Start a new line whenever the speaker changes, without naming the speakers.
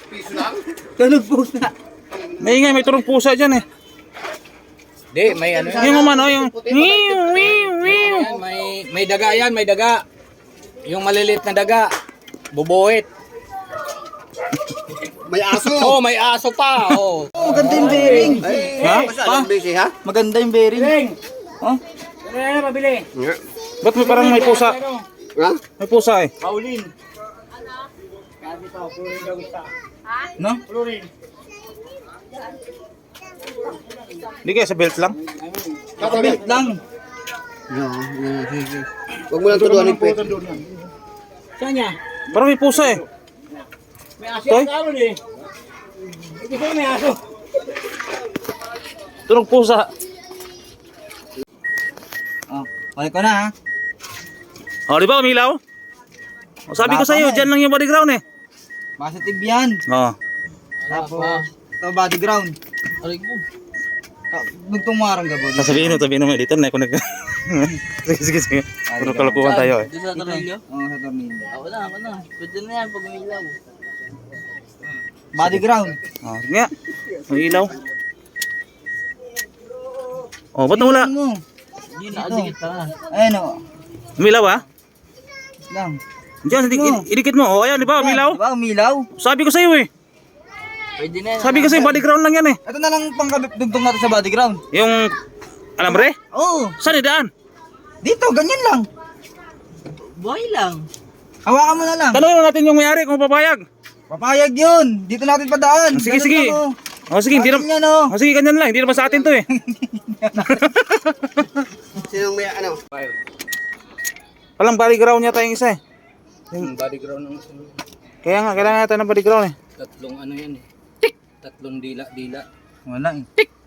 piso lang.
Tulog pusa.
May ingay, may turong pusa dyan eh.
Di, may ano yan.
Yung umano, yung...
Yan, may daga yan, may daga. Yung maliliit na daga. Bubuhit.
May aso.
Oh, may aso pa. Oh.
Maganda yung bearing.
Ha?
Pa? Busy ha?
Maganda yung bearing. Oh?
Ano mabili?
Ba't may parang may pusa?
Ha?
May pusa eh.
Paulin. Sabi to, Florin daw isa.
No?
Florin.
Hindi kaya sa belt lang?
Nakabelt lang.
Huwag mo lang tuduan yung pet.
Saan niya?
Parang may pusa eh.
May aso
Toy?
yung karon eh. Hindi ko may aso.
Turong pusa.
Oh, balik ko na ha.
O, di ba umilaw? O, sabi ko sa'yo, dyan lang yung body ground eh.
Positive yan.
Oo.
Tapos, ito body ground.
Aray ko.
Nagtumarang ka ba?
Sabihin mo, dito na ako nag... sige, sige. Puro kalokohan tayo eh.
Doon sa tornilyo?
Oo, sa tornilyo.
Ako na. Pwede na yan pag umilaw.
Body ground.
O, sige nga. May ilaw. O, ba't wala?
Tingnan mo.
Yun, nakadikit pa.
Ayan o.
Umilaw ah?
Lang.
Diyan, idikit mo. O, ayan, di ba? Umilaw.
Di ba umilaw?
Sabi ko sa'yo eh.
Pwede na yan.
Sabi ko sa'yo, body ground lang yan eh.
Ito na lang pangkadugtong natin sa body ground.
Yung alambre?
Oo.
Saan idaan?
Dito, ganyan lang.
Buhay lang.
Hawakan mo na lang.
Tanungin natin yung may-ari kung papayag.
Papayag yun. Dito natin padaan.
Sige,
Ganun
sige.
lang, oh.
O, sige, hindi
Atin
naman.
yan, oh.
O, sige, ganyan lang. Hindi naman sa atin to eh.
Sinong may ano?
Palang body ground yata yung isa eh.
Yung body ground ng
Kaya nga, kailangan natin ng body ground eh.
tatlong ano yan eh. Tatlong dila-dila.
Wala eh.
Tik!